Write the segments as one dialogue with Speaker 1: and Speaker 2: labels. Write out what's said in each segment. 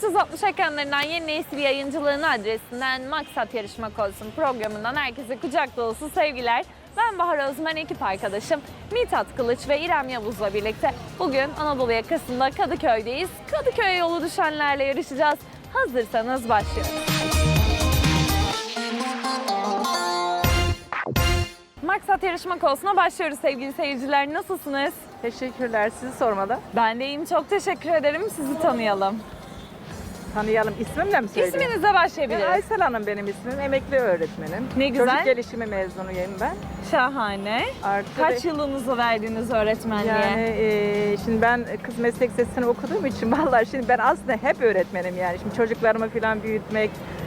Speaker 1: 360 ekranlarından yeni nesil yayıncılığın adresinden Maksat Yarışmak Olsun programından herkese kucak dolusu sevgiler. Ben Bahar Özmen, ekip arkadaşım Mithat Kılıç ve İrem Yavuz'la birlikte bugün Anadolu yakasında Kadıköy'deyiz. Kadıköy'e yolu düşenlerle yarışacağız. Hazırsanız başlıyoruz. Maksat Yarışmak Olsun'a başlıyoruz sevgili seyirciler. Nasılsınız?
Speaker 2: Teşekkürler. Sizi sormalı.
Speaker 1: Ben de iyiyim. Çok teşekkür ederim. Sizi tanıyalım.
Speaker 2: Tanıyalım. İsmimle mi söyleyeyim?
Speaker 1: İsminizle başlayabiliriz.
Speaker 2: Aysel Hanım benim ismim. Emekli öğretmenim.
Speaker 1: Ne güzel.
Speaker 2: Çocuk gelişimi mezunuyum ben.
Speaker 1: Şahane. Kaç yılınızı verdiniz öğretmenliğe?
Speaker 2: Yani şimdi ben kız meslek lisesini okuduğum için vallahi şimdi ben aslında hep öğretmenim yani. Şimdi çocuklarımı falan büyütmek,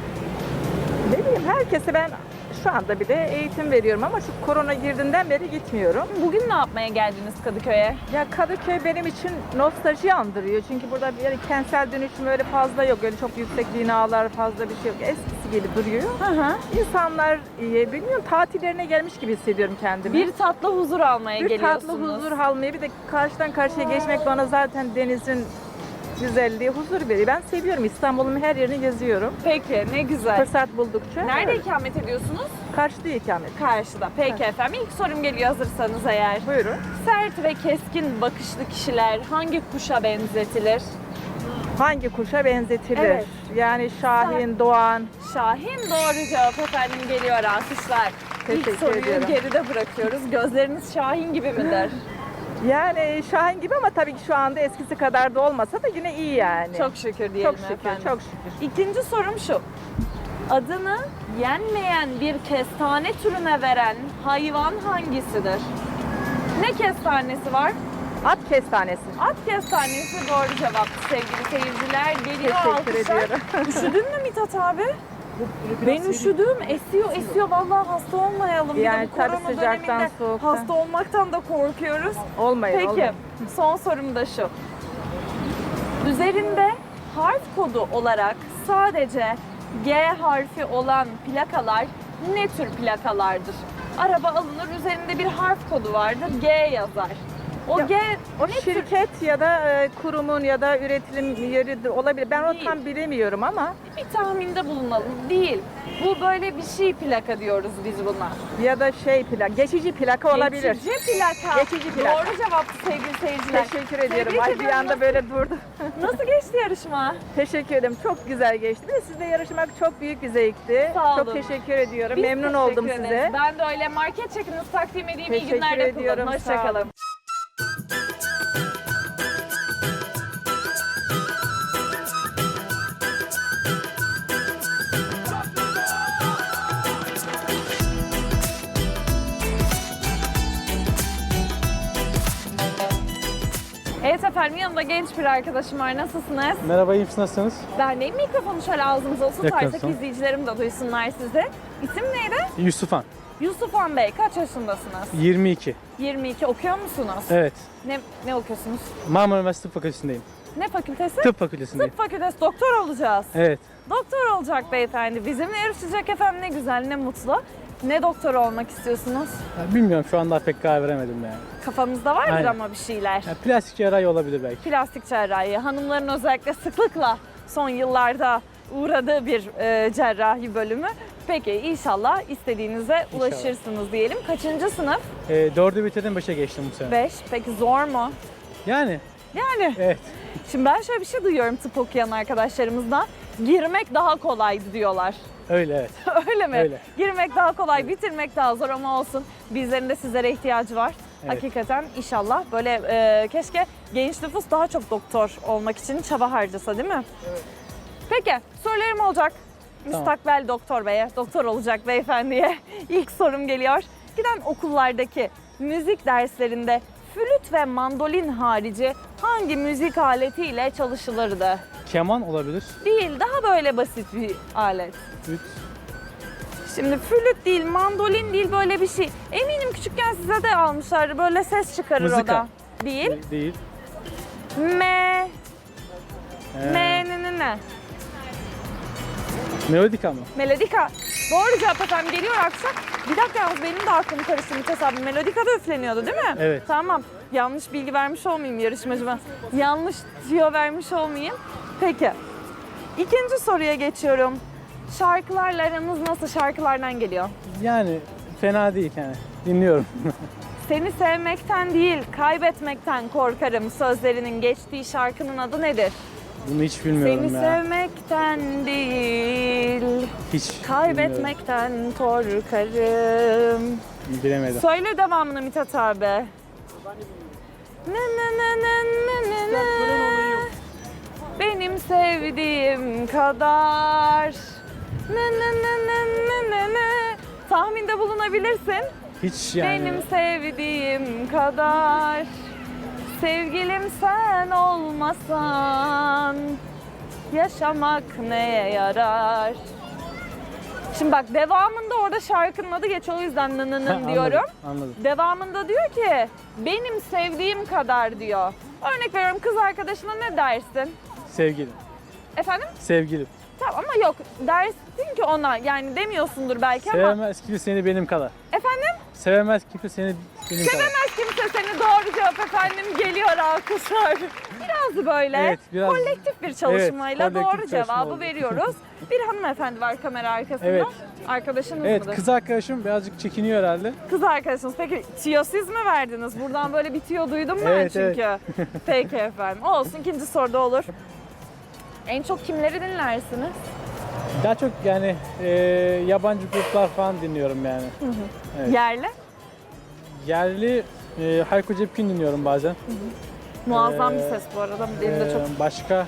Speaker 2: ne bileyim herkese ben şu anda bir de eğitim veriyorum ama şu korona girdiğinden beri gitmiyorum.
Speaker 1: Bugün ne yapmaya geldiniz Kadıköy'e?
Speaker 2: Ya Kadıköy benim için nostalji andırıyor. Çünkü burada yani kentsel dönüşüm öyle fazla yok. Öyle çok yüksek binalar fazla bir şey yok. Eskisi gibi duruyor. İnsanlar bilmiyorum tatillerine gelmiş gibi hissediyorum kendimi.
Speaker 1: Bir tatlı huzur almaya
Speaker 2: bir
Speaker 1: geliyorsunuz.
Speaker 2: tatlı huzur almaya bir de karşıdan karşıya geçmek bana zaten denizin güzelliği huzur veriyor. Ben seviyorum. İstanbul'un her yerini geziyorum.
Speaker 1: Peki, ne güzel.
Speaker 2: Fırsat buldukça.
Speaker 1: Nerede
Speaker 2: evet.
Speaker 1: ikamet ediyorsunuz?
Speaker 2: Karşıda ikamet.
Speaker 1: Karşıda. Peki efendim. İlk sorum geliyor hazırsanız eğer.
Speaker 2: Buyurun.
Speaker 1: Sert ve keskin bakışlı kişiler hangi kuşa benzetilir?
Speaker 2: Hangi kuşa benzetilir?
Speaker 1: Evet.
Speaker 2: Yani Şahin, Doğan.
Speaker 1: Şahin doğru cevap efendim, geliyor alkışlar. İlk
Speaker 2: Teşekkür
Speaker 1: soruyu
Speaker 2: ediyorum.
Speaker 1: geride bırakıyoruz. Gözleriniz Şahin gibi midir?
Speaker 2: Yani Şahin gibi ama tabii ki şu anda eskisi kadar da olmasa da yine iyi yani.
Speaker 1: Çok şükür diyelim
Speaker 2: Çok şükür,
Speaker 1: efendim.
Speaker 2: çok şükür.
Speaker 1: İkinci sorum şu. Adını yenmeyen bir kestane türüne veren hayvan hangisidir? Ne kestanesi var?
Speaker 2: At kestanesi.
Speaker 1: At kestanesi doğru cevap sevgili seyirciler. Geliyor
Speaker 2: Teşekkür
Speaker 1: alkışlar.
Speaker 2: ediyorum.
Speaker 1: Üşüdün mü Mithat abi? Ben üşüdüm. Esiyor. Vallahi hasta olmayalım.
Speaker 2: Yani
Speaker 1: Bir de bu
Speaker 2: tabii
Speaker 1: korona
Speaker 2: sıcaktan,
Speaker 1: döneminde
Speaker 2: soğuktan.
Speaker 1: hasta olmaktan da korkuyoruz.
Speaker 2: Olmayın,
Speaker 1: Peki,
Speaker 2: olmayın.
Speaker 1: son sorum da şu. Üzerinde harf kodu olarak sadece G harfi olan plakalar ne tür plakalardır? Araba alınır, üzerinde bir harf kodu vardır, G yazar. O
Speaker 2: Ya,
Speaker 1: G
Speaker 2: O
Speaker 1: ne tür?
Speaker 2: şirket ya da kurumun ya da üretim yeri olabilir. Ben
Speaker 1: Değil.
Speaker 2: o tam bilemiyorum ama
Speaker 1: Bir tahminde bulunalım. Değil. Bu böyle bir şey plaka diyoruz biz buna.
Speaker 2: ya da geçici plaka olabilir.
Speaker 1: Geçici plaka.
Speaker 2: Geçici plaka.
Speaker 1: Doğru cevaptı sevgili seyirciler.
Speaker 2: Teşekkür ediyorum.
Speaker 1: Tebrik
Speaker 2: Ay bir
Speaker 1: ediyorum.
Speaker 2: anda böyle durdu.
Speaker 1: Nasıl geçti yarışma?
Speaker 2: Teşekkür ederim. Çok güzel geçti. Ve sizle yarışmak çok büyük bir zevkti.
Speaker 1: Sağ olun.
Speaker 2: Çok teşekkür ediyorum.
Speaker 1: Biz
Speaker 2: Memnun
Speaker 1: teşekkür
Speaker 2: oldum
Speaker 1: ederiz.
Speaker 2: size.
Speaker 1: Ben de öyle. Market çekinizi takdim edeyim. İyi
Speaker 2: Teşekkür
Speaker 1: günler de
Speaker 2: ediyorum.
Speaker 1: kullanın.
Speaker 2: Sağ olun.
Speaker 1: Hoşçakalın. Evet efendim, yanımda genç bir arkadaşım var. Nasılsınız?
Speaker 3: Merhaba, iyi misiniz? Nasılsınız?
Speaker 1: Ben deyim, mikrofonu şöyle ağzınıza tutarsak
Speaker 3: Yakınsın.
Speaker 1: izleyicilerim de duysunlar sizi. İsim neydi?
Speaker 3: Yusufan,
Speaker 1: Yusufan Bey. Kaç yaşındasınız?
Speaker 3: 22.
Speaker 1: 22. Okuyor musunuz?
Speaker 3: Evet,
Speaker 1: Ne okuyorsunuz?
Speaker 3: Marmara Üniversitesi Tıp Fakültesindeyim.
Speaker 1: Ne fakültesi?
Speaker 3: Tıp Fakültesindeyim.
Speaker 1: Tıp fakültesi. Doktor olacağız.
Speaker 3: Evet,
Speaker 1: Doktor olacak beyefendi. Bizimle yarışacak efendim, ne güzel, ne mutlu. Ne doktoru olmak istiyorsunuz?
Speaker 3: ya bilmiyorum şu anda pek karar veremedim yani.
Speaker 1: Kafanızda vardır
Speaker 3: Aynen.
Speaker 1: ama bir şeyler.
Speaker 3: Ya plastik cerrahi olabilir belki.
Speaker 1: Plastik cerrahi. Hanımların özellikle sıklıkla son yıllarda uğradığı bir cerrahi bölümü. Peki inşallah istediğinize ulaşırsınız diyelim. Kaçıncı sınıf?
Speaker 3: 4'ü bitirdim, 5'e geçtim bu sene.
Speaker 1: 5. Peki zor mu?
Speaker 3: Yani,
Speaker 1: Yani.
Speaker 3: evet.
Speaker 1: Şimdi ben şöyle bir şey duyuyorum tıp okuyan arkadaşlarımızdan. Girmek daha kolaydı diyorlar.
Speaker 3: Öyle evet.
Speaker 1: Öyle mi?
Speaker 3: Öyle.
Speaker 1: Girmek daha kolay, bitirmek daha zor ama olsun. Bizlerin de sizlere ihtiyacı var.
Speaker 3: Evet.
Speaker 1: Hakikaten inşallah böyle keşke genç nüfus daha çok doktor olmak için çaba harcasa, değil mi? Evet. Peki sorularım olacak.
Speaker 3: Tamam.
Speaker 1: Müstakbel doktor beye, doktor olacak beyefendiye ilk sorum geliyor. Giden okullardaki müzik derslerinde flüt ve mandolin harici hangi müzik aletiyle çalışılırdı?
Speaker 3: Keman olabilir.
Speaker 1: Değil, daha böyle basit bir alet.
Speaker 3: Üç.
Speaker 1: Şimdi flüt değil, mandolin değil, böyle bir şey. Eminim küçükken size de almışlardı. Böyle ses çıkarır o
Speaker 3: Mızıka.
Speaker 1: da. Değil.
Speaker 3: Değil.
Speaker 1: Me.
Speaker 3: Ee,
Speaker 1: Ne.
Speaker 3: Melodika mı?
Speaker 1: Melodika. Doğru cevap efendim, geliyor akşam. Bir dakika yalnız, benim de aklım karıştı Mithat abi. Melodika da üfleniyordu değil mi?
Speaker 3: Evet.
Speaker 1: Tamam. Yanlış bilgi vermiş olmayayım yarışmacıma. Yanlış tüyo vermiş olmayayım. Peki. İkinci soruya geçiyorum. Şarkılarla aranız nasıl? Şarkılardan geliyor.
Speaker 3: Yani fena değil yani. Dinliyorum.
Speaker 1: Seni sevmekten değil, kaybetmekten korkarım sözlerinin geçtiği şarkının adı nedir?
Speaker 3: Bunu hiç bilmiyorum
Speaker 1: Seni
Speaker 3: ya.
Speaker 1: sevmekten değil,
Speaker 3: Hiç bilmiyorum.
Speaker 1: kaybetmekten korkarım.
Speaker 3: Bilemedim.
Speaker 1: Söyle devamını Mithat abi. Ne ne ne ne ne ne ne. Benim sevdiğim kadar. Ne ne ne ne ne ne ne. Tahminde bulunabilirsin.
Speaker 3: Hiç yani.
Speaker 1: Benim sevdiğim kadar. Sevgilim sen olmasan yaşamak neye yarar? Şimdi bak devamında orada şarkının adı geçiyor o yüzden nınının diyorum.
Speaker 3: Anladım.
Speaker 1: Devamında diyor ki benim sevdiğim kadar diyor. Örnek veriyorum kız arkadaşına ne dersin?
Speaker 3: Sevgilim.
Speaker 1: Efendim?
Speaker 3: Sevgilim.
Speaker 1: Tamam ama yok dersin ki ona yani demiyorsundur belki ama.
Speaker 3: Sevemez kimse seni benim kadar.
Speaker 1: Efendim?
Speaker 3: Sevemez kimse seni benim kadar.
Speaker 1: Sevemez kimse seni doğru cevap efendim geliyor alkışlar. Biraz böyle
Speaker 3: Evet, biraz-
Speaker 1: kolektif bir çalışmayla
Speaker 3: Evet, kolektif
Speaker 1: doğru
Speaker 3: çalışma
Speaker 1: cevabı
Speaker 3: oldu.
Speaker 1: veriyoruz. Bir hanımefendi var kamera arkasında.
Speaker 3: Evet.
Speaker 1: Arkadaşınız
Speaker 3: Evet,
Speaker 1: mıdır?
Speaker 3: kız arkadaşım birazcık çekiniyor herhalde.
Speaker 1: Kız arkadaşınız. Peki tüyo siz mi verdiniz? Buradan böyle bir tüyo duydum ben
Speaker 3: Evet,
Speaker 1: çünkü. Peki efendim. Olsun ikinci soruda olur. En çok kimleri dinlersiniz?
Speaker 3: Daha çok yani yabancı gruplar falan dinliyorum yani. Evet.
Speaker 1: Yerli?
Speaker 3: Yerli Hayko Cepkin dinliyorum bazen.
Speaker 1: Muazzam bir
Speaker 3: Ee,
Speaker 1: ses bu arada. Benim de çok
Speaker 3: Başka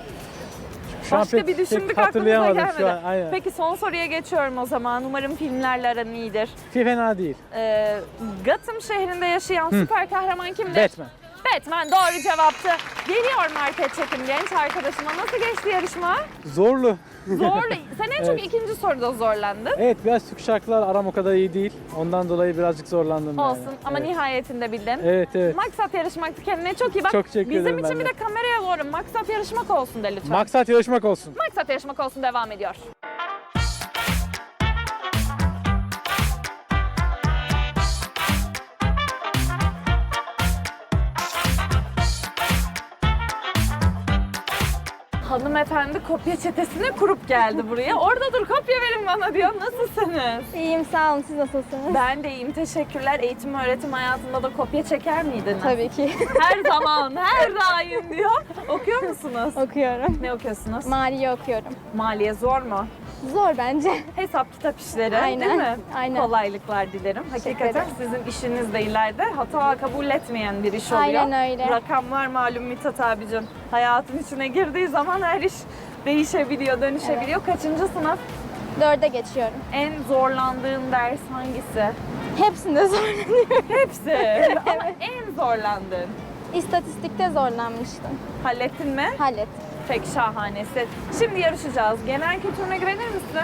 Speaker 3: şu an
Speaker 1: Başka
Speaker 3: pek-
Speaker 1: bir
Speaker 3: pek
Speaker 1: düşündük aklımıza
Speaker 3: hatırlayamadım
Speaker 1: gelmedi.
Speaker 3: şu an. Aynen.
Speaker 1: Peki son soruya geçiyorum o zaman. Umarım filmlerle aran iyidir.
Speaker 3: Fena değil.
Speaker 1: Gotham şehrinde yaşayan süper kahraman kimdir?
Speaker 3: Batman.
Speaker 1: Batman doğru cevaptı. Geliyor market çekim genç arkadaşıma. Nasıl geçti yarışma?
Speaker 3: Zorlu.
Speaker 1: Zorlu. Sen en çok
Speaker 3: Evet.
Speaker 1: ikinci soruda zorlandın.
Speaker 3: Evet, biraz Türk şarkılar aram o kadar iyi değil. Ondan dolayı birazcık zorlandım yani.
Speaker 1: Olsun ama
Speaker 3: Evet.
Speaker 1: nihayetinde bildin.
Speaker 3: Evet, evet.
Speaker 1: Maksat yarışmaktı. Kendine çok iyi bak.
Speaker 3: Çok teşekkür
Speaker 1: Bizim
Speaker 3: ederim
Speaker 1: için
Speaker 3: ben
Speaker 1: bir
Speaker 3: de.
Speaker 1: de kameraya doğru maksat yarışmak olsun de lütfen.
Speaker 3: Maksat yarışmak olsun.
Speaker 1: Maksat yarışmak olsun devam ediyor. Hanımefendi kopya çetesini kurup geldi buraya. Orada dur kopya verin bana diyor. Nasılsınız?
Speaker 4: İyiyim sağ olun. Siz nasılsınız?
Speaker 1: Ben de iyiyim teşekkürler. Eğitim öğretim hayatında da kopya çeker miydiniz?
Speaker 4: Tabii ki.
Speaker 1: Her zaman, her daim diyor. Okuyor musunuz?
Speaker 4: Okuyorum.
Speaker 1: Ne okuyorsunuz?
Speaker 4: Maliye okuyorum.
Speaker 1: Maliye zor mu?
Speaker 4: Zor bence.
Speaker 1: Hesap kitap işleri
Speaker 4: Aynen,
Speaker 1: değil mi?
Speaker 4: aynen.
Speaker 1: Kolaylıklar dilerim.
Speaker 4: Teşekkür
Speaker 1: Hakikaten
Speaker 4: ederim.
Speaker 1: sizin işiniz de ileride hata kabul etmeyen bir iş oluyor.
Speaker 4: Aynen öyle.
Speaker 1: Rakamlar malum Mithat abicim. Hayatın içine girdiği zaman her iş değişebiliyor, dönüşebiliyor. Kaçıncı sınıf?
Speaker 4: 4'e geçiyorum.
Speaker 1: En zorlandığın ders hangisi?
Speaker 4: Hepsinde zorlanıyorum.
Speaker 1: Hepsi. Ama en zorlandığın.
Speaker 4: İstatistikte zorlanmıştım.
Speaker 1: Hallettin mi?
Speaker 4: Hallettim.
Speaker 1: Pek şahanesi. Şimdi yarışacağız. Genel kültürüne güvenir misin?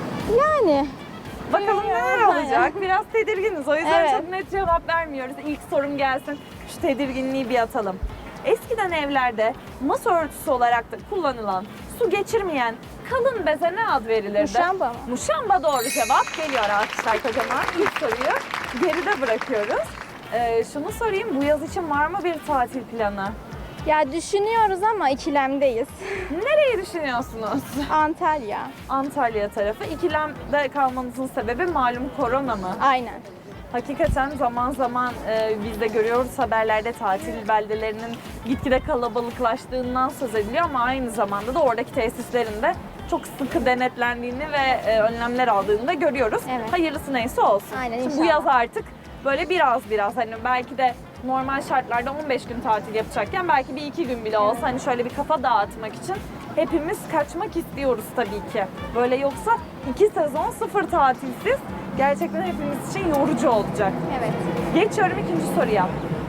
Speaker 4: Yani.
Speaker 1: Bakalım neler
Speaker 4: Aynen.
Speaker 1: olacak. Biraz tedirginiz. O yüzden
Speaker 4: Evet.
Speaker 1: çok net cevap vermiyoruz. İlk sorum gelsin. Şu tedirginliği bir atalım. Eskiden evlerde masa örtüsü olarak da kullanılan, su geçirmeyen kalın beze ne ad verilirdi?
Speaker 4: Muşamba mı?
Speaker 1: Muşamba doğru cevap. Geliyor alkışlar kocaman. İlk soruyu geride bırakıyoruz. Şunu sorayım. Bu yaz için var mı bir tatil planı?
Speaker 4: Ya düşünüyoruz ama ikilemdeyiz.
Speaker 1: Nereyi düşünüyorsunuz?
Speaker 4: Antalya.
Speaker 1: Antalya tarafı. İkilemde kalmanızın sebebi malum korona mı?
Speaker 4: Aynen.
Speaker 1: Hakikaten zaman zaman biz de görüyoruz haberlerde tatil beldelerinin gitgide kalabalıklaştığından söz ediliyor ama aynı zamanda da oradaki tesislerin de çok sıkı denetlendiğini ve önlemler aldığını da görüyoruz.
Speaker 4: Evet.
Speaker 1: Hayırlısı neyse olsun.
Speaker 4: Aynen,
Speaker 1: Şimdi bu
Speaker 4: inşallah.
Speaker 1: yaz artık böyle biraz hani belki de normal şartlarda 15 gün tatil yapacakken belki bir 2 gün bile olsa hani şöyle bir kafa dağıtmak için hepimiz kaçmak istiyoruz tabii ki. Böyle yoksa 2 sezon 0 tatilsiz gerçekten hepimiz için yorucu olacak.
Speaker 4: Evet.
Speaker 1: Geçiyorum ikinci soruya.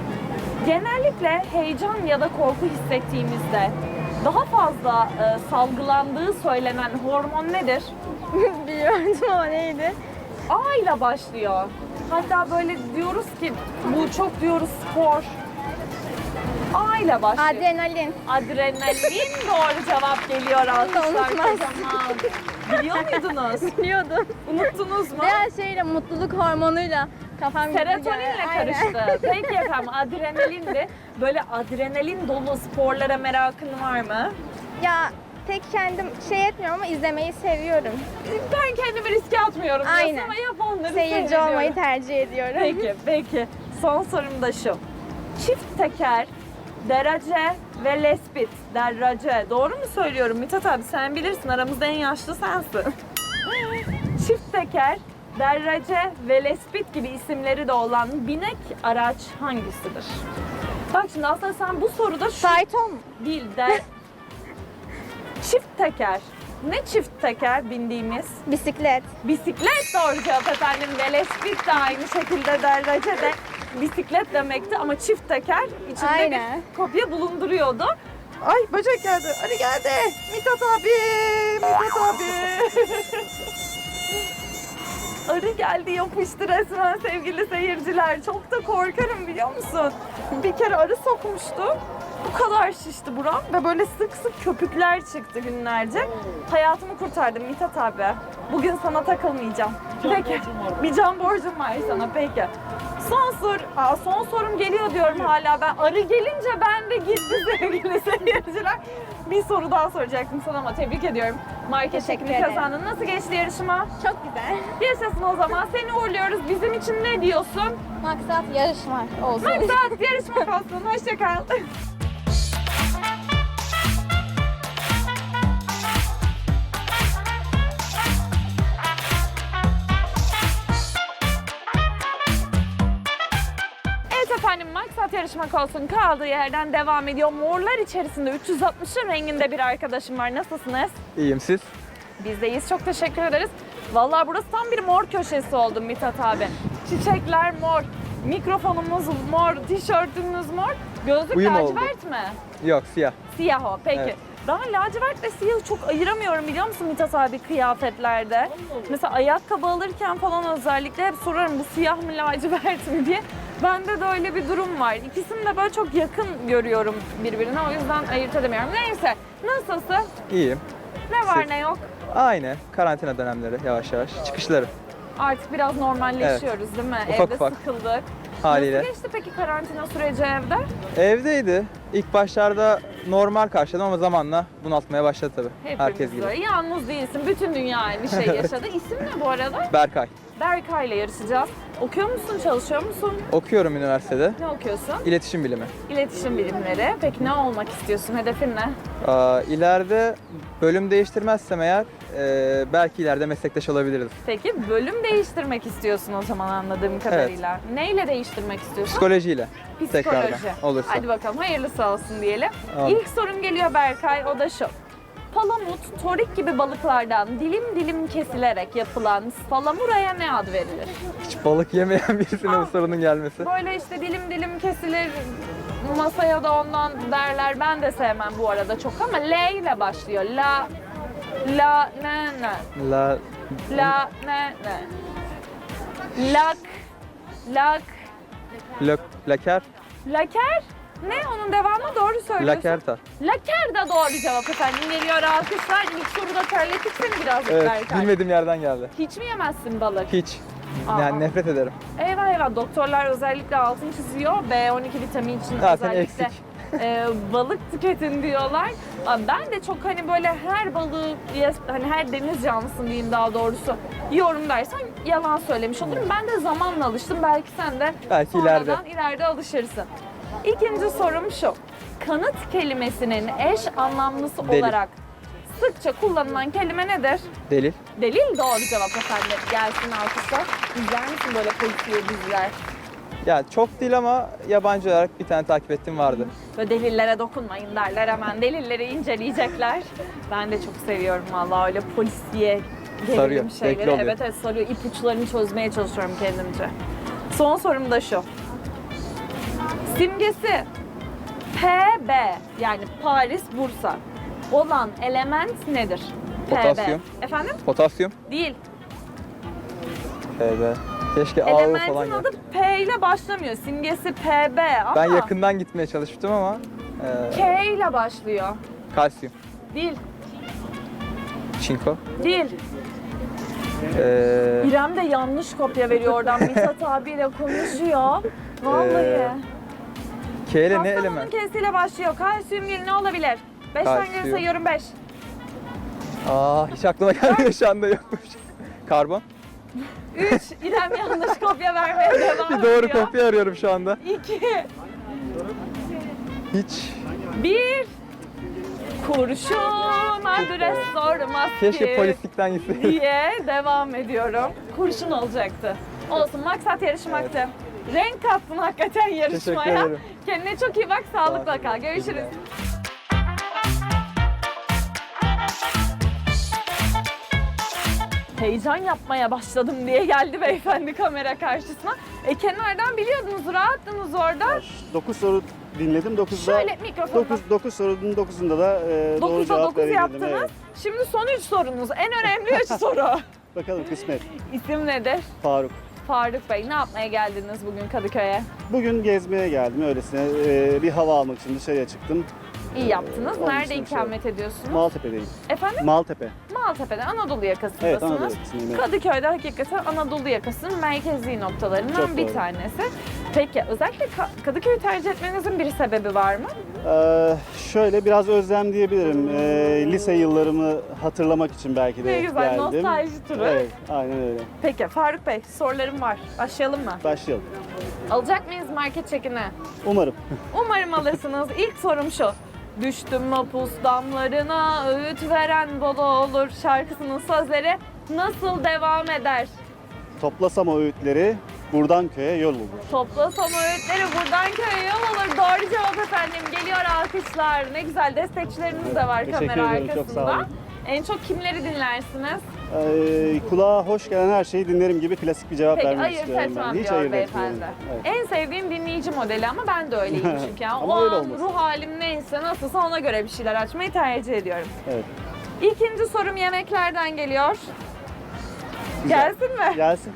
Speaker 1: Genellikle heyecan ya da korku hissettiğimizde daha fazla salgılandığı söylenen hormon nedir?
Speaker 4: Biliyordum ama neydi?
Speaker 1: A ile başlıyor. Hatta böyle diyoruz ki bu çok diyoruz spor. A ile başlıyor.
Speaker 4: Adrenalin.
Speaker 1: Adrenalin doğru cevap geliyor alkışlar
Speaker 4: unutmaz.
Speaker 1: kocaman. Biliyor muydunuz?
Speaker 4: Biliyordum.
Speaker 1: Unuttunuz mu?
Speaker 4: Biraz şeyle mutluluk hormonuyla kafam gitti.
Speaker 1: Serotoninle
Speaker 4: Aynen.
Speaker 1: karıştı. Peki efendim adrenalin de böyle adrenalin dolu sporlara merakın var mı?
Speaker 4: Ya Pek kendim şey etmiyorum ama izlemeyi seviyorum.
Speaker 1: Ben kendimi riske atmıyorum diyorsun
Speaker 4: Aynen.
Speaker 1: ama yapanları
Speaker 4: Seyirci
Speaker 1: seyrediyorum.
Speaker 4: olmayı tercih ediyorum.
Speaker 1: Peki. Son sorum da şu. Çift teker, derece ve lespit. Derece. Doğru mu söylüyorum Mithat abi? Sen bilirsin. Aramızda en yaşlı sensin. Çift teker, derece ve lespit gibi isimleri de olan binek araç hangisidir? Bak şimdi aslında sen bu soruda şu
Speaker 4: Fayton mu?
Speaker 1: değil çift teker. Ne çift teker bindiğimiz?
Speaker 4: Bisiklet.
Speaker 1: Bisiklet doğru cevap efendim. Velespit de aynı şekilde derece de bisiklet demekti ama çift teker içinde
Speaker 4: Aynen.
Speaker 1: bir kopya bulunduruyordu.
Speaker 2: Ay böcek geldi. Ali geldi. Mithat abi. Mithat abi.
Speaker 1: Arı geldi yapıştı resmen sevgili seyirciler. Çok da korkarım biliyor musun? Bir kere arı sokmuştu. Bu kadar şişti buram ve böyle sık sık köpükler çıktı günlerce. Hayatımı kurtardım Mithat abi. Bugün sana takılmayacağım. Peki. Bir can borcum var sana peki. Son sorum geliyor diyorum hala ben. Arı gelince ben de gitti sevgili seyirciler. Bir soru daha soracaktım sana ama tebrik ediyorum. Market
Speaker 4: Teşekkür
Speaker 1: çekini
Speaker 4: ederim.
Speaker 1: kazandın. Nasıl geçti yarışma?
Speaker 4: Çok güzel.
Speaker 1: Yaşasın o zaman. Seni uğurluyoruz. Bizim için ne diyorsun?
Speaker 4: Maksat yarışma olsun.
Speaker 1: Maksat yarışmak olsun. Hoşça kal. Evet efendim maksat yarışmak olsun kaldığı yerden devam ediyor. Morlar içerisinde 360'ın renginde bir arkadaşım var. Nasılsınız?
Speaker 5: İyiyim siz?
Speaker 1: Biz de iyiyiz. Çok teşekkür ederiz. Vallahi burası tam bir mor köşesi oldu Mithat abi. Çiçekler mor, mikrofonumuz mor, tişörtümüz mor. Gözlük
Speaker 5: Uyum oldu.
Speaker 1: lacivert mi?
Speaker 5: Yok siyah.
Speaker 1: Siyah o. Peki.
Speaker 5: Evet.
Speaker 1: Ben lacivertle siyahı çok ayıramıyorum biliyor musun Mithat abi kıyafetlerde. Mesela ayakkabı alırken falan özellikle hep sorarım bu siyah mı lacivert mi diye. Bende de öyle bir durum var. İkisini de böyle çok yakın görüyorum birbirine. O yüzden ayırt edemiyorum. Neyse. Nasılsın?
Speaker 5: İyiyim.
Speaker 1: Ne var
Speaker 5: Siz?
Speaker 1: ne yok?
Speaker 5: Aynı. Karantina dönemleri yavaş yavaş. Çıkışları
Speaker 1: Artık biraz normalleşiyoruz değil mi?
Speaker 5: Ufak
Speaker 1: Evde
Speaker 5: ufak.
Speaker 1: sıkıldık.
Speaker 5: haliyle.
Speaker 1: Nasıl geçti peki karantina süreci evde?
Speaker 5: Evdeydi. İlk başlarda normal karşıladım ama zamanla bunaltmaya başladı tabii.
Speaker 1: Hepimiz
Speaker 5: Herkes gibi.
Speaker 1: böyle. Yalnız değilsin. Bütün dünya aynı şeyi yaşadı. İsim ne bu arada?
Speaker 5: Berkay.
Speaker 1: Berkay ile yarışacağız. Okuyor musun, çalışıyor musun?
Speaker 5: Okuyorum üniversitede.
Speaker 1: Ne okuyorsun?
Speaker 5: İletişim bilimi.
Speaker 1: İletişim bilimleri. Peki ne olmak istiyorsun? Hedefin ne?
Speaker 5: İleride bölüm değiştirmezsem eğer belki ileride meslektaş olabiliriz.
Speaker 1: Peki bölüm değiştirmek istiyorsun o zaman anladığım kadarıyla. Neyle değiştirmek istiyorsun?
Speaker 5: Psikolojiyle. Tekrardan olursa.
Speaker 1: Hadi bakalım hayırlısı olsun diyelim.
Speaker 5: Amin.
Speaker 1: İlk sorum geliyor Berkay, o da şu. Palamut, torik gibi balıklardan dilim dilim kesilerek yapılan salamuraya ne ad verilir?
Speaker 5: Hiç balık yemeyen birisine bu sorunun gelmesi.
Speaker 1: Böyle işte dilim dilim kesilir, masaya da ondan derler. Ben de sevmem bu arada çok ama L ile başlıyor. La, ne,
Speaker 5: La,
Speaker 1: ne. Lak,
Speaker 5: laker,
Speaker 1: laker. Ne onun devamı doğru söylüyorsun.
Speaker 5: lakerta.
Speaker 1: Laker da doğru cevap efendim. Geliyor alkışlar. İlk soruda terlettik seni birazcık
Speaker 5: Evet,
Speaker 1: Berkay.
Speaker 5: bilmediğim yerden geldi.
Speaker 1: Hiç mi yemezsin balık?
Speaker 5: Hiç.
Speaker 1: Aa.
Speaker 5: Yani nefret ederim.
Speaker 1: Eyvah doktorlar özellikle altını çiziyor. B12 vitamini için
Speaker 5: Zaten
Speaker 1: özellikle
Speaker 5: eksik.
Speaker 1: balık tüketin diyorlar. Ben de çok hani böyle her balığı hani her deniz canlısını diyeyim daha doğrusu yiyorum dersen yalan söylemiş olurum. Ben de zamanla alıştım. Belki sen de
Speaker 5: Belki
Speaker 1: sonradan ileride alışırsın. İkinci sorum şu. Kanıt kelimesinin eş anlamlısı
Speaker 5: Delil.
Speaker 1: olarak sıkça kullanılan kelime nedir?
Speaker 5: Delil.
Speaker 1: Delil doğru cevap efendim. Gelsin alkışlar. İzler misin böyle polisiye diziler?
Speaker 5: Ya çok değil ama yabancı olarak bir tane takip ettiğim vardı.
Speaker 1: Böyle delillere dokunmayın derler hemen. Delilleri inceleyecekler. Ben de çok seviyorum vallahi öyle polisiye gerilim
Speaker 5: Sarıyor, zevkli
Speaker 1: şeyleri.
Speaker 5: oluyor.
Speaker 1: Evet sarıyor. İpuçlarını çözmeye çalışıyorum kendimce. Son sorum da şu. Simgesi PB yani Paris, Bursa olan element nedir?
Speaker 5: Potasyum.
Speaker 1: PB. Efendim?
Speaker 5: Potasyum.
Speaker 1: Değil.
Speaker 5: Evet. Keşke AO falan
Speaker 1: Elementin adı
Speaker 5: geldi.
Speaker 1: P ile başlamıyor. Simgesi PB ama
Speaker 5: Ben yakından gitmeye çalıştım ama
Speaker 1: K ile başlıyor.
Speaker 5: kalsiyum,
Speaker 1: Değil.
Speaker 5: çinko.
Speaker 1: Değil.
Speaker 5: Ee,
Speaker 1: İrem de yanlış kopya veriyor oradan. Mithat abiyle konuşuyor. Vallahi.
Speaker 5: K ile ne
Speaker 1: Kastamonu'nun
Speaker 5: element?
Speaker 1: K'siyle başlıyor. Kalsiyum değil ne olabilir? 5'ten geri
Speaker 5: Kalsiyum.
Speaker 1: sayıyorum 5.
Speaker 5: Hiç aklıma gelmiyor şu anda yokmuş. Karbon.
Speaker 1: 3. İrem yanlış kopya vermeye devam
Speaker 5: Bir
Speaker 1: ediyor.
Speaker 5: doğru kopya arıyorum şu anda.
Speaker 1: 2.
Speaker 5: Hiç.
Speaker 1: 1. Kurşun adres sormaz
Speaker 5: Keşke
Speaker 1: ki
Speaker 5: polislikten gitseydim.
Speaker 1: diye devam ediyorum. Kurşun olacaktı. Olsun, maksat yarışmaktı. Renk kattın hakikaten yarışmaya.
Speaker 5: Teşekkür ederim.
Speaker 1: Kendine çok iyi bak, sağlıkla kal. Görüşürüz. Heyecan yapmaya başladım diye geldi beyefendi kamera karşısına. Kenardan biliyordunuz, rahattınız orada.
Speaker 6: 9 soru dinledim. 9'da
Speaker 1: Şöyle mikrofonu
Speaker 6: 9 sorunun 9'unda da doğru
Speaker 1: 9'a
Speaker 6: cevap
Speaker 1: 9
Speaker 6: verebildim.
Speaker 1: yaptınız.
Speaker 6: Evet.
Speaker 1: Şimdi son 3 sorunuz. En önemli 3 soru.
Speaker 6: Bakalım kısmet.
Speaker 1: İsim nedir?
Speaker 6: Faruk.
Speaker 1: Faruk Bey, ne yapmaya geldiniz bugün Kadıköy'e?
Speaker 6: Bugün gezmeye geldim öylesine. Bir hava almak için dışarıya çıktım.
Speaker 1: İyi yaptınız.
Speaker 6: Onun
Speaker 1: Nerede
Speaker 6: için bir şey
Speaker 1: ikamet ediyorsunuz?
Speaker 6: Maltepe'deyim.
Speaker 1: Efendim?
Speaker 6: Maltepe.
Speaker 1: Maltepe'de, Anadolu yakasındasınız.
Speaker 6: Evet, Anadolu yakasındayım, evet.
Speaker 1: Kadıköy'de hakikaten Anadolu yakasının merkezi noktalarından
Speaker 6: Çok
Speaker 1: bir
Speaker 6: doğru.
Speaker 1: tanesi. Peki, özellikle Kadıköy'ü tercih etmenizin bir sebebi var mı?
Speaker 6: Şöyle biraz özlem diyebilirim. Lise yıllarımı hatırlamak için belki de
Speaker 1: Ne güzel,
Speaker 6: geldim.
Speaker 1: nostalji turu.
Speaker 6: Evet, aynen öyle.
Speaker 1: Peki, Faruk Bey, sorularım var. Başlayalım mı?
Speaker 6: Başlayalım.
Speaker 1: Alacak mıyız market çekini?
Speaker 6: Umarım.
Speaker 1: Umarım alırsınız. İlk sorum şu. Düştüm mapus damlarına, öğüt veren bolu olur şarkısının sözleri nasıl devam eder?
Speaker 6: Toplasam o öğütleri buradan köye yol bulur.
Speaker 1: Toplasam öğütleri buradan köye yol olur. Doğru cevap efendim. Geliyor alkışlar. Ne güzel, destekçileriniz de var
Speaker 6: Teşekkür
Speaker 1: kamera
Speaker 6: ederim, çok sağ
Speaker 1: arkasında.
Speaker 6: olun.
Speaker 1: En çok kimleri dinlersiniz?
Speaker 6: Kulağa hoş gelen her şeyi dinlerim gibi klasik bir cevap
Speaker 1: Peki,
Speaker 6: vermek
Speaker 1: ayırt
Speaker 6: istiyorum
Speaker 1: etmem
Speaker 6: ben. Hiç
Speaker 1: diyor
Speaker 6: ayırt
Speaker 1: beyefendi.
Speaker 6: etmiyorum. Evet.
Speaker 1: En sevdiğim dinleyici modeli ama ben de öyleyim çünkü. Yani
Speaker 6: Ama
Speaker 1: o
Speaker 6: öyle
Speaker 1: an
Speaker 6: olmasın.
Speaker 1: ruh halim neyse, nasılsa ona göre bir şeyler açmayı tercih ediyorum.
Speaker 6: Evet.
Speaker 1: İkinci sorum yemeklerden geliyor.
Speaker 6: Güzel.
Speaker 1: Gelsin mi?
Speaker 6: Gelsin.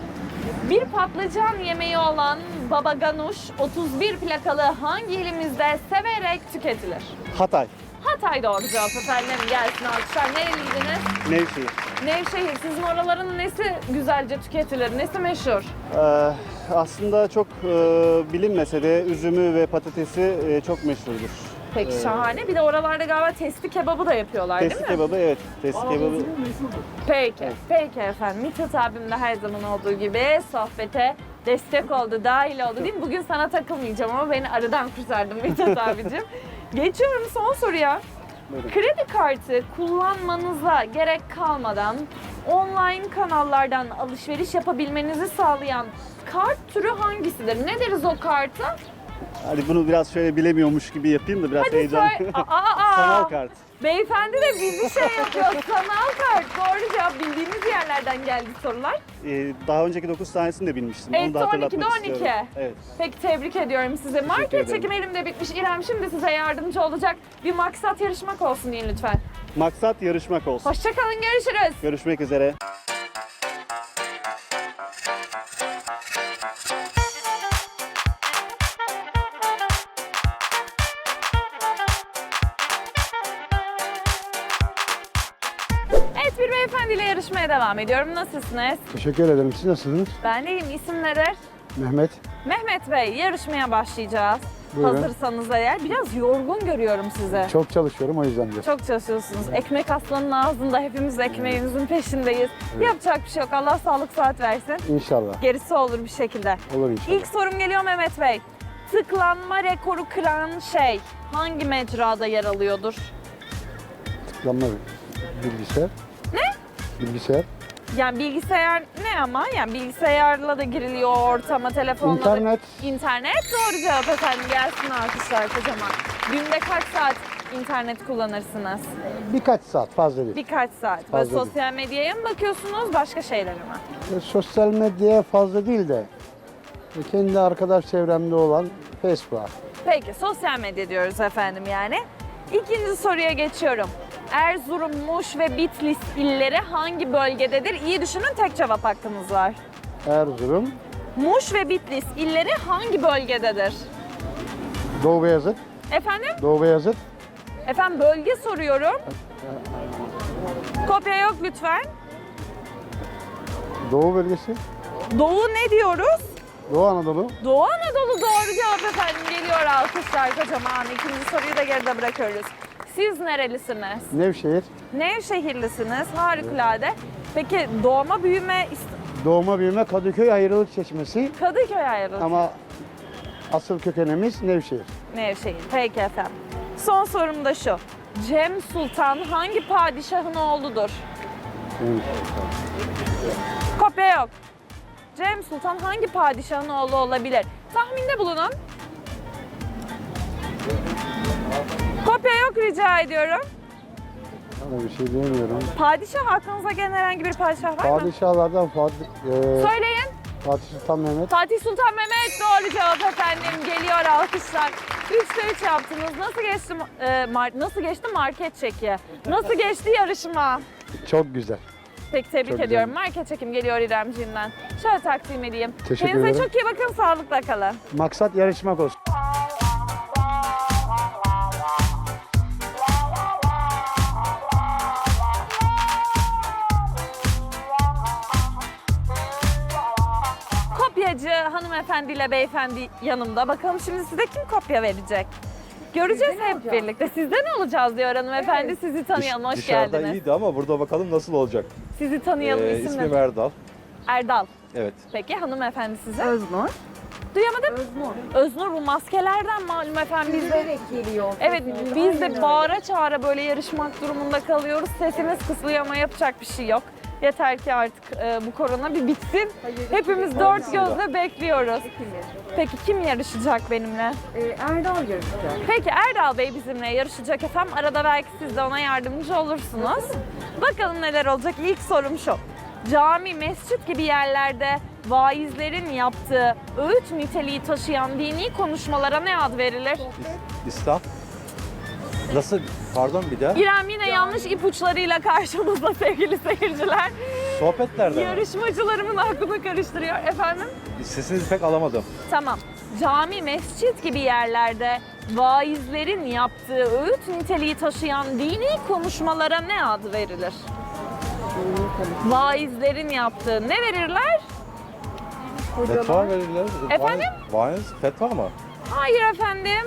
Speaker 1: Bir patlıcan yemeği olan baba ganuş 31 plakalı hangi ilimizde severek tüketilir?
Speaker 6: Hatay.
Speaker 1: Hatay doğru cevap efendim. Gelsin alkışlar. Nereliydiniz?
Speaker 6: Nevşehir.
Speaker 1: Nevşehir. Sizin oraların nesi güzelce tüketilir? Nesi meşhur?
Speaker 6: Aslında çok bilinmese de üzümü ve patatesi çok meşhurdur.
Speaker 1: Peki şahane. Bir de oralarda galiba testi kebabı da yapıyorlar
Speaker 6: Testi
Speaker 1: değil mi?
Speaker 6: kebabı, evet. Testi kebabı.
Speaker 1: Peki. Peki efendim. Mithat abim de her zaman olduğu gibi sohbete destek oldu, dahil oldu değil mi? Bugün sana takılmayacağım ama beni arıdan kurtardın Mithat abicim. Geçiyorum son soruya.
Speaker 6: Buyurun.
Speaker 1: Kredi kartı kullanmanıza gerek kalmadan online kanallardan alışveriş yapabilmenizi sağlayan kart türü hangisidir? Ne deriz o karta?
Speaker 6: Hadi bunu biraz şöyle bilemiyormuş gibi yapayım da biraz
Speaker 1: Hadi
Speaker 6: heyecan.
Speaker 1: söyle. Aa,
Speaker 6: Sanal kart.
Speaker 1: Beyefendi de bizi şey yapıyor. Sanal kart. Doğru cevap, bildiğimiz yerlerden geldi sorular.
Speaker 6: Daha önceki 9 tanesini de bilmiştim.
Speaker 1: Evet,
Speaker 6: Onu da hatırlatmak
Speaker 1: 12'de 12.
Speaker 6: istiyorum. Evet.
Speaker 1: Peki tebrik ediyorum size. Market
Speaker 6: ederim.
Speaker 1: çekim elimde bitmiş. İrem şimdi size yardımcı olacak. Bir maksat yarışmak olsun deyin lütfen.
Speaker 6: Maksat yarışmak olsun.
Speaker 1: Hoşçakalın, görüşürüz.
Speaker 6: Görüşmek üzere.
Speaker 1: Evet, bir beyefendiyle yarışmaya devam ediyorum. Nasılsınız?
Speaker 7: Teşekkür ederim. Siz nasılsınız?
Speaker 1: Ben deyim. İsim nedir?
Speaker 7: Mehmet.
Speaker 1: Mehmet Bey, yarışmaya başlayacağız.
Speaker 7: Buyurun.
Speaker 1: Hazırsanız eğer. Biraz yorgun görüyorum sizi.
Speaker 7: Çok çalışıyorum o yüzden de.
Speaker 1: Çok çalışıyorsunuz. Ekmek aslanın ağzında, hepimiz ekmeğimizin peşindeyiz. Yapacak bir şey yok. Allah sağlık sıhhat versin.
Speaker 7: İnşallah.
Speaker 1: Gerisi olur bir şekilde.
Speaker 7: Olur inşallah.
Speaker 1: İlk sorum geliyor Mehmet Bey. Tıklanma rekoru kıran şey hangi mecrada yer alıyordur?
Speaker 7: Tıklanma bilgisayar.
Speaker 1: Ne?
Speaker 7: Bilgisayar.
Speaker 1: Yani bilgisayar ne ama? Yani bilgisayarla da giriliyor ortama, telefonla da...
Speaker 7: İnternet.
Speaker 1: İnternet doğru cevap efendim. Gelsin alkışlar kocaman. Günde kaç saat internet kullanırsınız?
Speaker 7: Birkaç saat fazla değil.
Speaker 1: Birkaç saat. Böyle
Speaker 7: Fazla değil.
Speaker 1: sosyal medyaya mı bakıyorsunuz, başka şeylere mi?
Speaker 7: Sosyal medyaya fazla değil de kendi arkadaş çevremde olan Facebook'a.
Speaker 1: Peki, sosyal medya diyoruz efendim yani. İkinci soruya geçiyorum. Erzurum, Muş ve Bitlis illeri hangi bölgededir? İyi düşünün, tek cevap hakkınız var.
Speaker 7: Erzurum,
Speaker 1: Muş ve Bitlis illeri hangi bölgededir?
Speaker 7: Doğu Beyazıt.
Speaker 1: Efendim?
Speaker 7: Doğu Beyazıt.
Speaker 1: Efendim bölge soruyorum. Kopya yok lütfen.
Speaker 7: Doğu bölgesi.
Speaker 1: Doğu ne diyoruz?
Speaker 7: Doğu Anadolu.
Speaker 1: Doğu Anadolu doğru cevap efendim. Geliyor alkışlar kocaman. İkinci soruyu da geride bırakıyoruz. Siz nerelisiniz?
Speaker 7: Nevşehir.
Speaker 1: Nevşehirlisiniz. Harikulade. Peki doğma büyüme
Speaker 7: Doğma büyüme Kadıköy Ayrılık Çeşmesi
Speaker 1: Kadıköy ayrıldı.
Speaker 7: ama asıl kökenimiz Nevşehir.
Speaker 1: Nevşehir. Peki efendim. Son sorum da şu. Cem Sultan hangi padişahın oğludur? Kopya yok. Cem Sultan hangi padişahın oğlu olabilir? Tahminde bulunun. Kopya yok rica ediyorum.
Speaker 7: Sana bir şey diyemiyorum.
Speaker 1: Padişah aklınıza gelen herhangi bir padişah var mı?
Speaker 7: Padişahlardan
Speaker 1: Söyleyin.
Speaker 7: Fatih Sultan Mehmet.
Speaker 1: Fatih Sultan Mehmet doğru cevap efendim. Geliyor alkışlar. 3'te 3 yaptınız. Nasıl geçti market çeki? Nasıl geçti yarışma?
Speaker 7: Çok güzel.
Speaker 1: Peki tebrik
Speaker 7: Çok
Speaker 1: ediyorum.
Speaker 7: güzel.
Speaker 1: Market çekim geliyor İremciğimden. Şöyle takdim edeyim.
Speaker 7: Teşekkür
Speaker 1: Kendinize
Speaker 7: ederim.
Speaker 1: çok iyi bakın. Sağlıkla kalın.
Speaker 7: Maksat yarışmak olsun.
Speaker 1: Kopyacı hanımefendiyle beyefendi yanımda. Bakalım şimdi size kim kopya verecek? Göreceğiz hep birlikte. Sizden olacağız diyor hanımefendi. Sizi tanıyalım. Hoş
Speaker 8: Dışarıda
Speaker 1: geldiniz.
Speaker 8: iyiydi ama burada bakalım nasıl olacak.
Speaker 1: Sizi tanıyalım. İsim
Speaker 8: İsmim
Speaker 1: ne?
Speaker 8: Erdal.
Speaker 1: Erdal.
Speaker 8: Evet.
Speaker 1: Peki hanımefendi size?
Speaker 2: Öznur.
Speaker 1: Duyamadım. Öznur bu maskelerden malum efendim biz de.
Speaker 2: geliyor.
Speaker 1: Evet biz de bağıra çağıra böyle yarışmak durumunda kalıyoruz. Sesimiz kısılıyor ama yapacak bir şey yok. Yeter ki artık bu korona bir bitsin. Hepimiz dört gözle bekliyoruz. Peki kim yarışacak benimle?
Speaker 2: Erdal yarışacak.
Speaker 1: Peki Erdal Bey bizimle yarışacak efendim. Arada belki siz de ona yardımcı olursunuz. Bakalım neler olacak. İlk sorum şu. Cami, mescit gibi yerlerde vaizlerin yaptığı öğüt niteliği taşıyan dini konuşmalara ne ad verilir?
Speaker 8: İslam. Nasıl? Pardon bir daha.
Speaker 1: İrem yine yanlış ipuçlarıyla karşımızda sevgili seyirciler.
Speaker 8: Sohbetlerde mi?
Speaker 1: Yarışmacılarımın aklını karıştırıyor. Efendim?
Speaker 8: Sesinizi pek alamadım.
Speaker 1: Tamam. Cami, mescit gibi yerlerde vaizlerin yaptığı öğüt niteliği taşıyan dini konuşmalara ne ad verilir? Vaizlerin yaptığı ne verirler?
Speaker 8: Fetva verirler.
Speaker 1: Efendim?
Speaker 8: Vaiz fetva mı?
Speaker 1: Hayır efendim.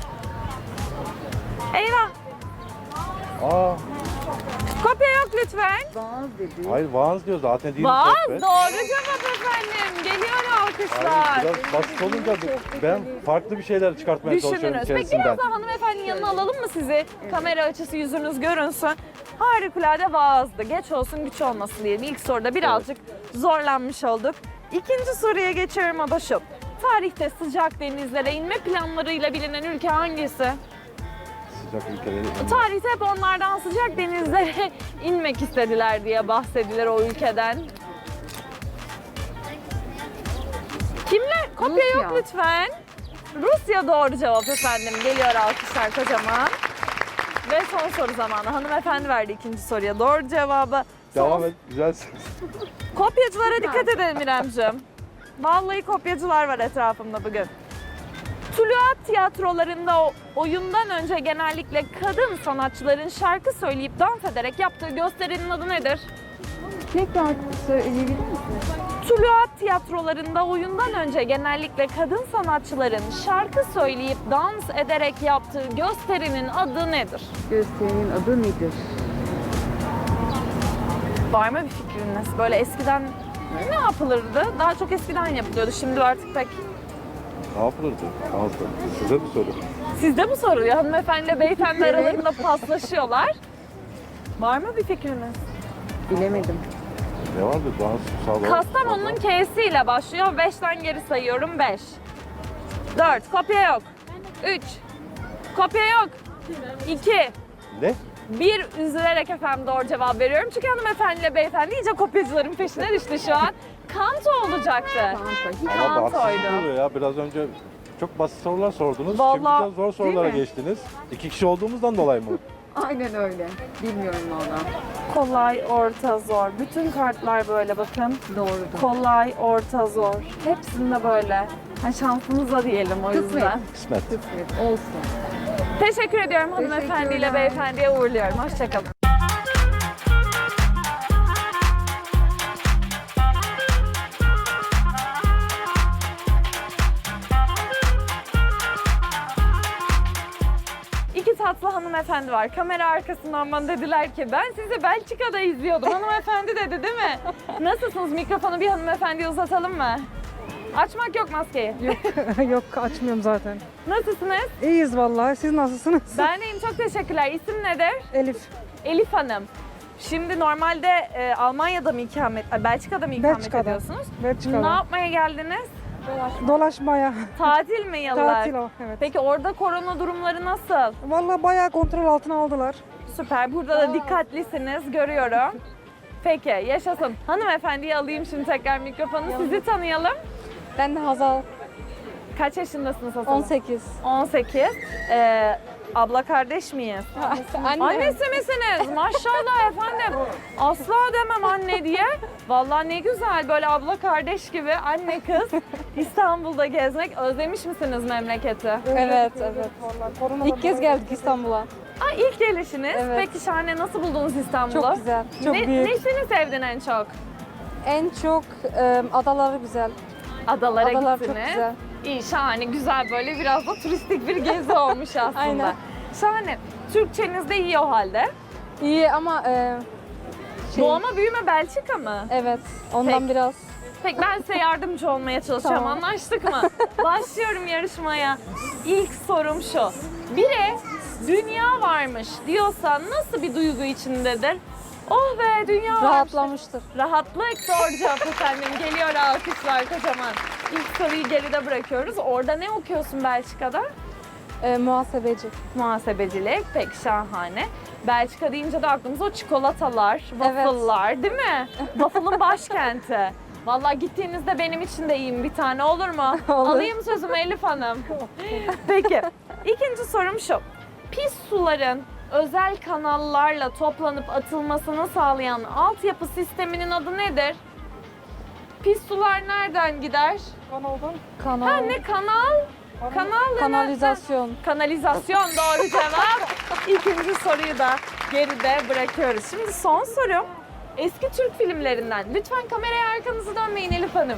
Speaker 1: Eyvah.
Speaker 8: Aa,
Speaker 1: Kopya yok lütfen.
Speaker 8: hayır vaaz diyor zaten değil.
Speaker 1: Vaaz
Speaker 8: sohbet.
Speaker 1: doğru cevap efendim. Geliyor alkışlar.
Speaker 8: Hayır, biraz basit olunca ben farklı bir şeyler çıkartmaya çalışıyorum
Speaker 1: Düşünürüz. Peki
Speaker 8: içerisinden.
Speaker 1: biraz daha hanımefendinin yanına alalım mı sizi? Kamera açısı yüzünüz görünsün. Harikulade vaazdı. Geç olsun güç olmasın diyelim. İlk soruda birazcık zorlanmış olduk. İkinci soruya geçiyorum o da şu. Tarihte sıcak denizlere inme planlarıyla bilinen ülke hangisi?
Speaker 8: Sıcak ülkeleri.
Speaker 1: Tarihte hep onlardan sıcak denizlere inmek istediler diye bahsedilir o ülkeden. Kimler? Kopya yok lütfen. Rusya doğru cevap efendim. Geliyor alkışlar kocaman. Ve son soru zamanı. Hanımefendi verdi ikinci soruya doğru cevabı.
Speaker 8: Devam et. Güzelsin.
Speaker 1: Kopyacılara dikkat edelim İremciğim. Vallahi kopyacılar var etrafımda bugün. Tuluat tiyatrolarında oyundan önce genellikle kadın sanatçıların şarkı söyleyip dans ederek yaptığı gösterinin adı nedir?
Speaker 2: Tekrar söyleyebilir misiniz?
Speaker 1: Tuluat tiyatrolarında oyundan önce genellikle kadın sanatçıların şarkı söyleyip dans ederek yaptığı gösterinin adı nedir?
Speaker 2: Gösterinin adı nedir?
Speaker 1: Var mı bir fikriniz? Böyle eskiden ne yapılırdı? Daha çok eskiden yapılıyordu. Şimdi artık pek.
Speaker 8: Ne yapılırdı? Ağızda. Size bir soru.
Speaker 1: Sizde mi soruluyor? Hanımefendi beyefendi aralarında paslaşıyorlar. Var mı bir fikriniz?
Speaker 2: Bilemedim.
Speaker 8: Ne vardı? Dans, sağlam.
Speaker 1: Kastamonu'nun K'siyle başlıyor. 5'ten geri sayıyorum. 5. 4. Kopya yok. 3. Kopya yok. 2.
Speaker 8: Ne?
Speaker 1: 1 üzülerek efendim doğru cevap veriyorum. Çünkü hanımefendiyle beyefendi iyice kopyacıların peşine düştü şu an. Kanto olacaktı.
Speaker 8: Ama bu haksızlık
Speaker 1: Kantoydu.
Speaker 8: oluyor ya. Biraz önce çok basit sorular sordunuz.
Speaker 1: Vallahi,
Speaker 8: Şimdi de zor sorulara geçtiniz. 2 kişi olduğumuzdan dolayı mı?
Speaker 2: Aynen öyle. Bilmiyorum valla.
Speaker 1: Kolay, orta, zor. Bütün kartlar böyle bakın.
Speaker 2: Doğrudur.
Speaker 1: Kolay, orta, zor. Hepsinde böyle. Ha, şansımıza diyelim o yüzden.
Speaker 8: Kısmet.
Speaker 2: Evet, olsun.
Speaker 1: Teşekkür ediyorum hanımefendiyle beyefendiye uğurluyorum. Hoşçakalın. İki tatlı Aslı hanımefendi var. Kamera arkasından bana dediler ki ben sizi Belçika'da izliyordum. Hanımefendi dedi değil mi? Nasılsınız? Mikrofonu bir hanımefendiye uzatalım mı? Açmak yok maskeyi.
Speaker 9: Yok açmıyorum zaten.
Speaker 1: Nasılsınız?
Speaker 9: İyiyiz vallahi. Siz nasılsınız?
Speaker 1: Ben deyim, çok teşekkürler. İsim nedir?
Speaker 9: Elif.
Speaker 1: Elif Hanım. Şimdi normalde Almanya'da mı Belçika'da mı ikamet
Speaker 9: Belçika'da.
Speaker 1: ediyorsunuz? Ne
Speaker 9: Belçika'da.
Speaker 1: yapmaya geldiniz?
Speaker 9: Dolaşmaya.
Speaker 1: Tatil mi yıllar?
Speaker 9: Tatil o. Evet.
Speaker 1: Peki orada korona durumları nasıl?
Speaker 9: Vallahi bayağı kontrol altına aldılar.
Speaker 1: Süper. Burada da dikkatlisiniz, görüyorum. Peki, yaşasın. Hanımefendiyi alayım şimdi tekrar mikrofonu. Sizi tanıyalım.
Speaker 4: Ben de Hazal.
Speaker 1: Kaç yaşındasınız Hasan?
Speaker 4: 18.
Speaker 1: 18. Abla kardeş miyiz?
Speaker 4: Anne.
Speaker 1: Annesi misiniz? Maşallah efendim. Asla demem anne diye. Vallahi ne güzel böyle abla kardeş gibi anne kız İstanbul'da gezmek. Özlemiş misiniz memleketi?
Speaker 4: Evet, evet.
Speaker 9: Vallahi korona
Speaker 4: İlk kez geldik İstanbul'a.
Speaker 1: Aa, ilk gelişiniz.
Speaker 4: Evet.
Speaker 1: Peki şahane, nasıl buldunuz İstanbul'u?
Speaker 4: Çok güzel, çok büyük.
Speaker 1: Nesini sevdin en çok?
Speaker 4: En çok adaları güzel.
Speaker 1: Adalara
Speaker 4: Adalar çok
Speaker 1: gittiniz.
Speaker 4: güzel.
Speaker 1: İyi, şahane, güzel, böyle biraz da turistik bir gezi olmuş aslında.
Speaker 4: Aynen.
Speaker 1: Şahane. Türkçeniz de iyi o halde.
Speaker 4: İyi ama
Speaker 1: Doğma büyüme Belçika mı?
Speaker 4: evet, ondan
Speaker 1: Peki.
Speaker 4: biraz.
Speaker 1: Peki ben size yardımcı olmaya çalışacağım.
Speaker 4: Tamam.
Speaker 1: Anlaştık mı? Başlıyorum yarışmaya. İlk sorum şu. Biri dünya varmış diyorsa nasıl bir duygu içindedir? Oh be, dünya varmış.
Speaker 4: Rahatlamıştır.
Speaker 1: Rahatlık, doğru cevap efendim. Geliyor alkışlar kocaman. İlk soruyu geride bırakıyoruz. Orada ne okuyorsun Belçika'da?
Speaker 4: Muhasebeci.
Speaker 1: Muhasebecilik. Pek şahane. Belçika deyince de aklımıza o çikolatalar, waffle'lar değil mi? Waffle'ın başkenti. Vallahi gittiğinizde benim için de yiyin bir tane, olur mu?
Speaker 4: Olur.
Speaker 1: Alayım sözümü Elif Hanım. Peki. İkinci sorum şu. Pis suların özel kanallarla toplanıp atılmasını sağlayan altyapı sisteminin adı nedir? Pis sular nereden gider?
Speaker 9: Kanaldan.
Speaker 4: Kanal.
Speaker 1: Ha, ne kanal? Kanal ne?
Speaker 4: Kanalizasyon.
Speaker 1: Kanalizasyon doğru cevap. İkinci soruyu da geride bırakıyoruz. Şimdi son sorum. Eski Türk filmlerinden. Lütfen kameraya arkanızı dönmeyin Elif Hanım.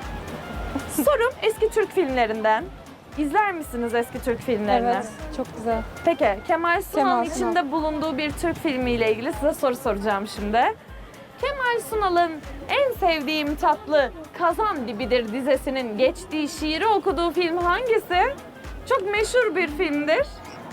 Speaker 1: Sorum eski Türk filmlerinden. İzler misiniz eski Türk filmlerini?
Speaker 4: Evet, çok güzel.
Speaker 1: Peki, Kemal Sunal'ın
Speaker 4: Kemal Sunal.
Speaker 1: içinde bulunduğu bir Türk filmiyle ilgili size soru soracağım şimdi. Kemal Sunal'ın en sevdiğim tatlı Kazan Dibidir dizesinin geçtiği şiiri okuduğu film hangisi? Çok meşhur bir filmdir.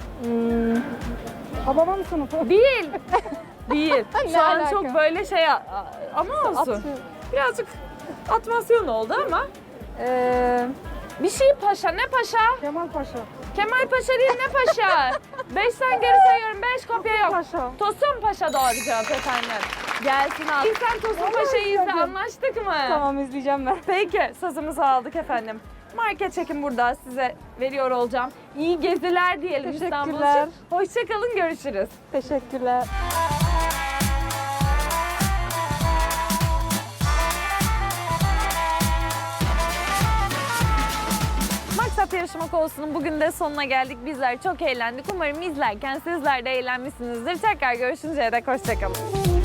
Speaker 9: Hababam sınıfı.
Speaker 1: Değil. Değil.
Speaker 4: Ne
Speaker 1: Şu an
Speaker 4: alaka?
Speaker 1: çok böyle şey ama olsun.
Speaker 4: Atıyor.
Speaker 1: Birazcık atmasyon oldu ama. Bir şey paşa. Ne paşa?
Speaker 9: Kemal Paşa.
Speaker 1: Kemal Paşa değil, ne paşa? 5'ten geri sayıyorum. 5 kopya yok.
Speaker 9: Paşa.
Speaker 1: Tosun Paşa doğru cevap efendim. Gelsin al. İlk sen Tosun Paşa'yı izle, anlaştık mı?
Speaker 4: Tamam, izleyeceğim ben.
Speaker 1: Peki, sözümüzü aldık efendim. Market çekim burada, size veriyor olacağım. İyi geziler diyelim İstanbul
Speaker 4: Teşekkürler.
Speaker 1: için. Hoşçakalın, görüşürüz.
Speaker 4: Teşekkürler.
Speaker 1: Maksat Yarışma Konusu'nun bugün de sonuna geldik. Bizler çok eğlendik. Umarım izlerken sizler de eğlenmişsinizdir. Tekrar görüşünceye dek hoşçakalın.